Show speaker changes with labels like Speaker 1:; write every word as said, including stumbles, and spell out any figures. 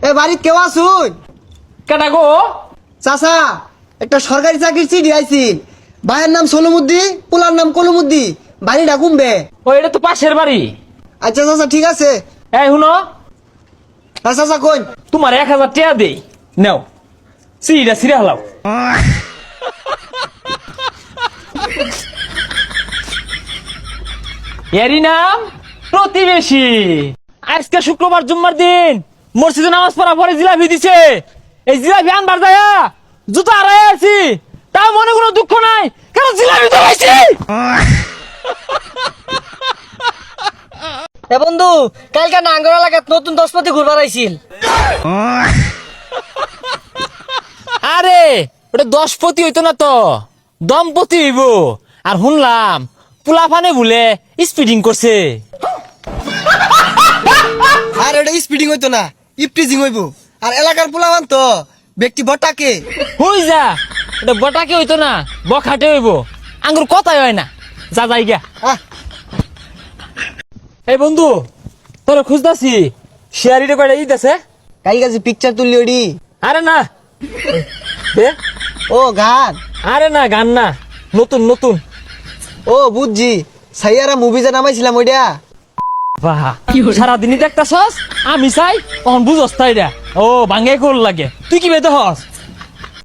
Speaker 1: এ বাড়িতে কেউ আসুন?
Speaker 2: কেটা গো?
Speaker 1: চাচা, একটা সরকারি চাকরির চিঠি আইছি। ভাইয়ের নাম সোলমুদ্দি, পোলার নাম কলমুদ্দি। বাড়িটা কমবে।
Speaker 2: ও এটা তো পাশের বাড়ি।
Speaker 1: আচ্ছা চাচা, ঠিক আছে।
Speaker 2: এই শুনো,
Speaker 1: হ্যাঁ চাচা কই?
Speaker 2: তোমার এক হাজার টাকা দেই, নাও সিঁড়িটা ছিঁড়ে হালাও। এরই নাম প্রতিবেশী। আজকে শুক্রবার জুম্মার দিন মসজিদে নামাজ পড়া পরে জিলাপি দিছে। এই জিলাপি আনবার যায়া জুতো আড়াই আছি, তাও মনে কোনো দুঃখ নাই, কারণ জিলাপি তো পাইছি।
Speaker 3: এ বন্ধু, কালকে নাঙ্গর এলাকাত নতুন দশপতি ঘুরবার আইছিল।
Speaker 2: আরে ওটা দশপতি হইতো না তো, দম্পতি হইব। আর শুনলাম পোলাপানে বলে স্পিডিং করছে।
Speaker 1: আর এটা স্পিডিং হইতো না, ইপটিজিং হইব। আর এলাকার পোলাবান তো ব্যক্তি বটাকে।
Speaker 2: হই যা, এটা বটাকে হইতো না, বখাটে হইব। আঙ্গুর কথাই হয় না, যা যাই গা।
Speaker 1: আহ,
Speaker 2: এই বন্ধু, তোর খুঁজতাছি, শেয়ারিটা কয়টা ঈদ আছে?
Speaker 1: কাই কাছে পিকচার তুললি ওডি?
Speaker 2: আরে না দে।
Speaker 1: ও গান?
Speaker 2: আরে না গান না, নতুন নতুন।
Speaker 1: ও বুঝছি, সাইয়ারা মুভি যে নামাইছিলাম ওইটা।
Speaker 2: বাহ, সারাদিনই দেখতাছস, আমি চাই তখন বুঝস তাই রে। ও ভাঙ্গে কোল লাগে, তুই কি বেতে হস?